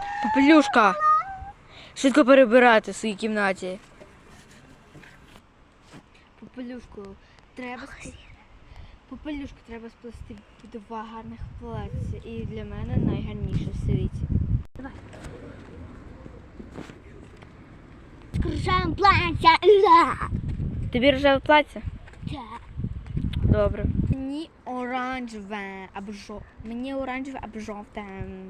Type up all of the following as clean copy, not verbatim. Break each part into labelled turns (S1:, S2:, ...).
S1: Попелюшка! Швидко перебирати в своїй кімнаті. Попелюшку треба сплести два гарних плаття. І для мене найгарніше в світі.
S2: Давай. Рожеве плаття.
S1: Тобі рожеве плаття?
S2: Так.
S1: Добре. Мені оранжеве або жовте.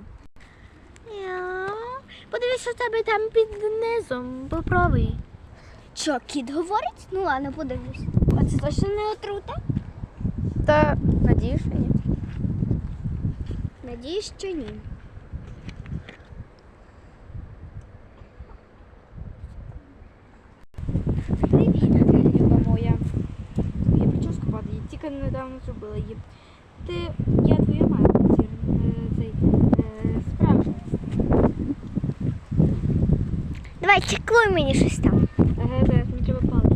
S2: Подивись, що в тебе там під низом. Попробуй. Що, кіт говорить? Ну ладно, подивлюсь. А це точно не отрута?
S1: Та надіюсь, що ні.
S2: Надіюсь, що ні.
S1: Привіт, люба моя. Я прическу падаю, я тільки недавно зробила її. Я твоя мама, цей справжній.
S2: Давай, чеклуй мені щось там.
S1: Ага, зараз мені треба паличку.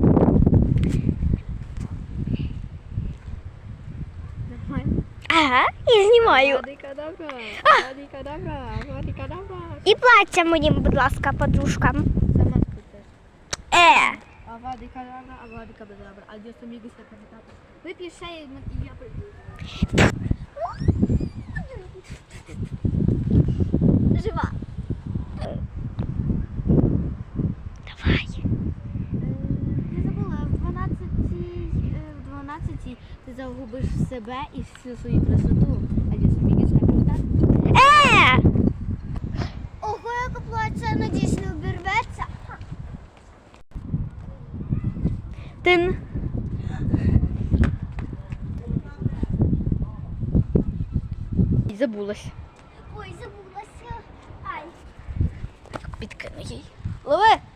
S1: Нормально.
S2: Ага, я знімаю.
S1: Авадикадабра, авадикадабра.
S2: І плаття моїм, будь ласка, подружкам.
S1: Сама скажи. Авадикадабра, адіос амігос, капітата. Вип'єш ще і я прийду.
S2: Жива. Давай.
S1: Я забула, в 12 ти загубиш себе і всю свою красоту. Адіос амігос, капітата.
S2: Ого, яке плаття, надіюсь, не обірветься.
S1: Тин. І забулась.
S2: Ой, забулася. Ай.
S1: Підкину їй. Лови!